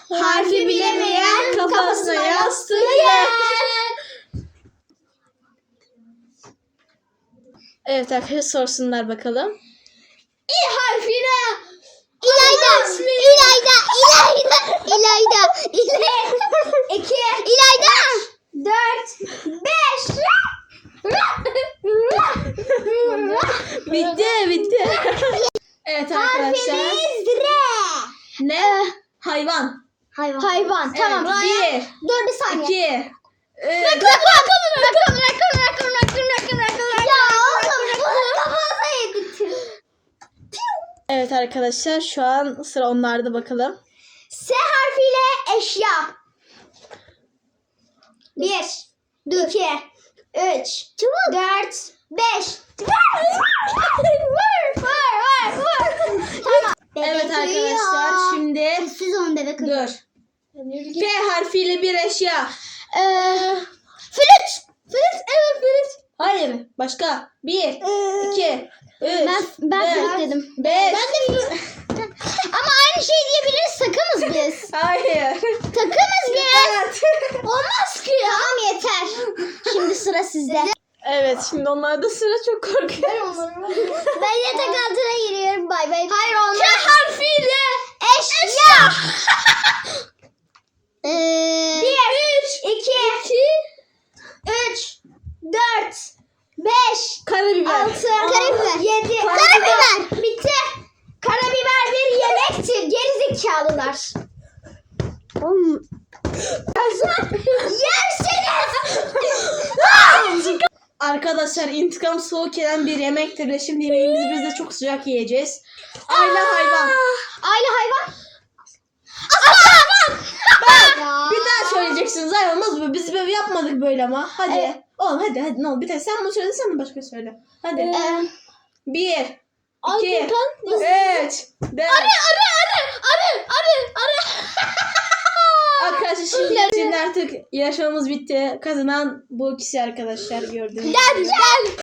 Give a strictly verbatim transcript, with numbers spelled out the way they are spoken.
Harfi bilemeyen kafasına yastığı yer. Evet arkadaşlar, sorsunlar bakalım. İ harfine. İlayda. İlayda. İlayda. İlayda. İlayda. İki. İlayda. Dört. Beş. Bitti bitti. Evet arkadaşlar. Harfimiz R. Ne? Hayvan. Hayvan. Hayvan. Tamam. Evet, Dur bir bir, saniye. iki, üç. Rakam rakam rakam rakam rakam rakam rakam rakam. Ya oğlum bunu kafamıza yedirtin. Evet arkadaşlar, şu an sıra onlarda, bakalım. S harfiyle eşya. Bir. İki. Üç. Çabuk. Dört. Beş. Vur. Vur. Vur. Vur. Tamam. Evet Bebek arkadaşlar, uyuyor. şimdi Sessiz olun bebek uyuyor. dur. P harfiyle bir eşya. Ee, flüt. Flüt. Evet flüt. Hayır, başka. Bir, iki, üç, Ben, ben dört, flüt dedim. beş. Ama aynı şey diyebiliriz. Takımız biz. Hayır. Takımız biz. Evet. Olmaz ki ya. Tamam yeter. Şimdi sıra sizde. Evet, şimdi onlarda sıra, çok korkuyorum. Ben yatak altına giriyorum. Bay bay. Hayır olmaz. K harfiyle eşya. Eee. Bir. Üç. İki. Üç. Dört. Beş. Karabiber. Altı. Karabiber. Yedi. Karabiber. Bitti. Karabiber bir yemektir. Gerizekalılar. Oğlum. Yerseniz. Arkadaşlar, intikam soğuk yenen bir yemektir ve şimdi yemeğimizi biz de çok sıcak yiyeceğiz. Aile hayvan. Aile hayvan. Ya. Bir daha söyleyeceksiniz, ay olmaz mı? Biz böyle yapmadık böyle ama. Hadi. Evet. Oğlum hadi hadi, ne olur. Bir tane sen bunu söyle, sen de başka söyle. Hadi. Ee, Bir, Ay, iki, ben- üç, dört. Arı arı arı arı arı arı. Arkadaşlar şimdi, şimdi artık yarışmamız bitti. Kazanan bu ikisi arkadaşlar, gördüğünüz gibi. Gel gel.